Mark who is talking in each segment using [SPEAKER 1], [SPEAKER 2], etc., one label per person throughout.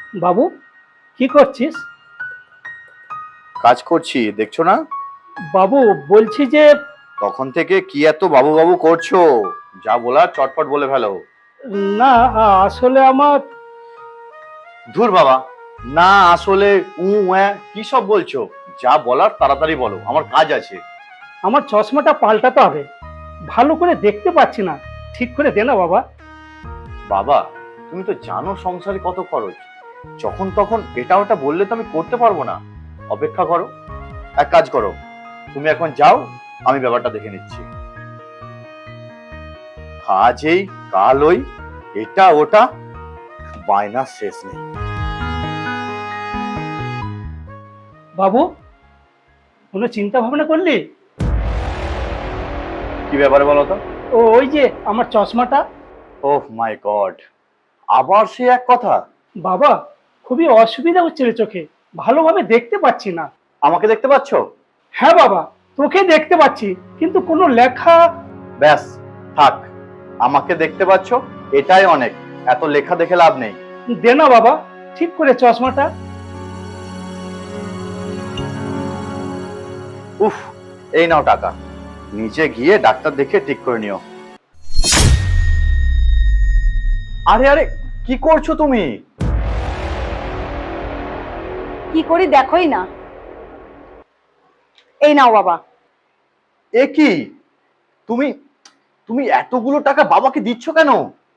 [SPEAKER 1] বাবু, কি করছিস?
[SPEAKER 2] কাজ করছি, দেখছো না?
[SPEAKER 1] বাবু, বলছি যে
[SPEAKER 2] তখন থেকে কি এত বাবু বাবু করছো? যা বলার চটপট বলে ফেলো।
[SPEAKER 1] না, আসলে আমার
[SPEAKER 2] ধুর বাবা, না আসলে কি সব বলছো? যা বলার তাড়াতাড়ি বলো, আমার কাজ আছে।
[SPEAKER 1] আমার চশমাটা পাল্টাতে হবে। ভালো করে দেখতে পাচ্ছি না, ঠিক করে দে না বাবা।
[SPEAKER 2] বাবা, তুমি তো জানো সংসারে কত খরচ। যখন তখন এটা ওটা বললে তো আমি করতে পারবো না। অপেক্ষা করো, এক কাজ করো, তুমি এখন যাও, আমি ব্যাপারটা দেখে নিচ্ছি। আজ এই কাল ওই, এটা ওটা, বায়না শেষ নেই।
[SPEAKER 1] বাবু, কোনো চিন্তা ভাবনা করলি?
[SPEAKER 2] কি ব্যাপারে বলো তো?
[SPEAKER 1] ওই যে আমার চশমাটা।
[SPEAKER 2] ওহ মাই গড, আবার সে এক কথা।
[SPEAKER 1] বাবা, খুবই অসুবিধা হচ্ছে রে চোখে, ভালোভাবে দেখতে পাচ্ছি না।
[SPEAKER 2] আমাকে দেখতে পাচ্ছো?
[SPEAKER 1] হ্যাঁ বাবা, তোকে দেখতে পাচ্ছি, কিন্তু কোনো লেখা।
[SPEAKER 2] ব্যাস, থাক, আমাকে দেখতে পাচ্ছো, এটাই অনেক। এত লেখা দেখে লাভ নেই।
[SPEAKER 1] দে না বাবা, ঠিক করে চশমাটা।
[SPEAKER 2] উফ, এই নাও টাকা, নিচে গিয়ে ডাক্তার দেখে ঠিক করে নিও। আরে আরে, কি করছো তুমি?
[SPEAKER 3] কি করি দেখোই না। এই নাও বাবা।
[SPEAKER 2] এ কি, তুমি তুমি এতগুলো টাকা বাবাকে দিচ্ছ কেন?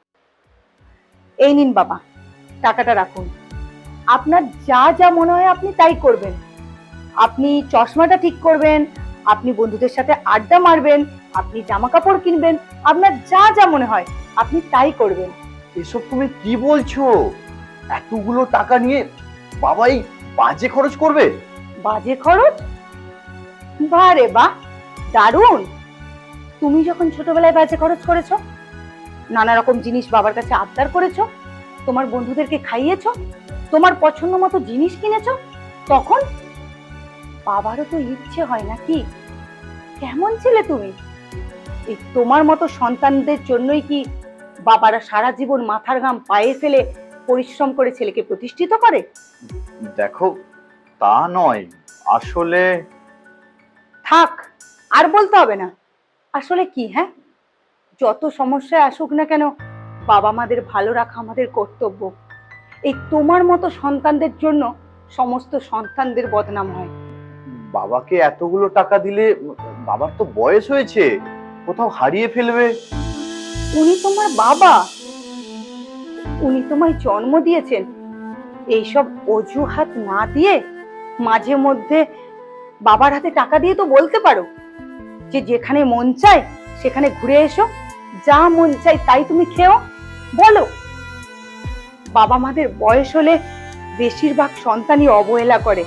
[SPEAKER 3] এই নিন বাবা, টাকাটা রাখুন। আপনার যা যা মনে হয় আপনি তাই করবেন। আপনি চশমাটা ঠিক করবেন, আপনি বন্ধুদের সাথে আড্ডা মারবেন, আপনি জামা কাপড় কিনবেন, আপনার যা যা মনে হয় আপনি তাই করবেন।
[SPEAKER 2] এসব তুমি কি বলছো? এতগুলো টাকা নিয়ে বাবাই বাজে খরচ করবে?
[SPEAKER 3] বাজে খরচ? বাহ রে বাহ, দারুণ। তুমি যখন ছোটবেলায় বাজে খরচ করেছো, নানা রকম জিনিস বাবার কাছে আবদার করেছো, তোমার বন্ধুদেরকে খাইয়েছো, তোমার পছন্দ মতো জিনিস কিনেছো, তখন বাবারও তো ইচ্ছে হয় নাকি? কেমন ছিলে তুমি? এই তোমার মতো সন্তানদের জন্যই কি বাবারা সারা জীবন মাথার ঘাম পায়ে ফেলে পরিশ্রম করে ছেলেকে প্রতিষ্ঠিত করে?
[SPEAKER 2] দেখো, তা নয়, আসলে
[SPEAKER 3] থাক, আর বলতে হবে না। আসলে কি, হ্যাঁ, যত সমস্যায় আসুক না কেন, বাবা মাদের ভালো রাখা আমাদের কর্তব্য। এই তোমার মতো সন্তানদের জন্য সমস্ত সন্তানদের বদনাম হয়।
[SPEAKER 2] বাবাকে এতগুলো টাকা দিলে বাবার তো বয়স হয়েছে, কোথাও হারিয়ে ফেলবে।
[SPEAKER 3] উনি তোমার বাবা, উনি তোমায় জন্ম দিয়েছেন। এইসব অজুহাত না দিয়ে মাঝে মধ্যে বাবার হাতে টাকা দিয়ে তো বলতে পারো যে যেখানে মন চায় সেখানে ঘুরে এসো, যা মন চায় তাই তুমি খেও। বলো, বাবা মাদের বয়স হলে বেশিরভাগ সন্তানই অবহেলা করে।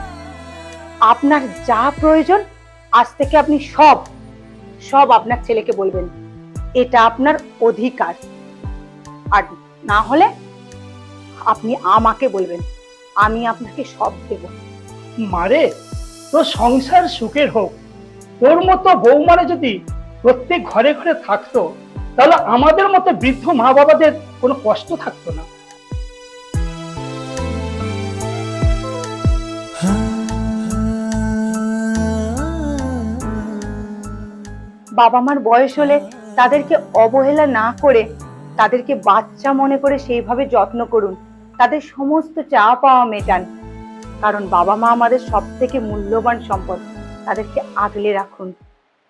[SPEAKER 3] আপনার যা প্রয়োজন আজ থেকে আপনি সব সব আপনার ছেলেকে বলবেন, এটা আপনার অধিকার। আর না হলে আপনি আমাকে বলবেন, আমি আপনাকে সব দেব।
[SPEAKER 1] মারে, তোর সংসার সুখের হোক। তোর মতো বৌমারা যদি প্রত্যেক ঘরে ঘরে থাকতো, তাহলে আমাদের মতো বৃদ্ধ মা বাবাদের কোনো কষ্ট থাকতো না।
[SPEAKER 3] বাবা মার বয়স হলে তাদেরকে অবহেলা না করে তাদেরকে বাচ্চা মনে করে সেইভাবে যত্ন করুন, তাদের সমস্ত চাওয়া পাওয়া মেটান। কারণ বাবা মা আমাদের সব থেকে মূল্যবান সম্পদ, তাদেরকে আগলে রাখুন।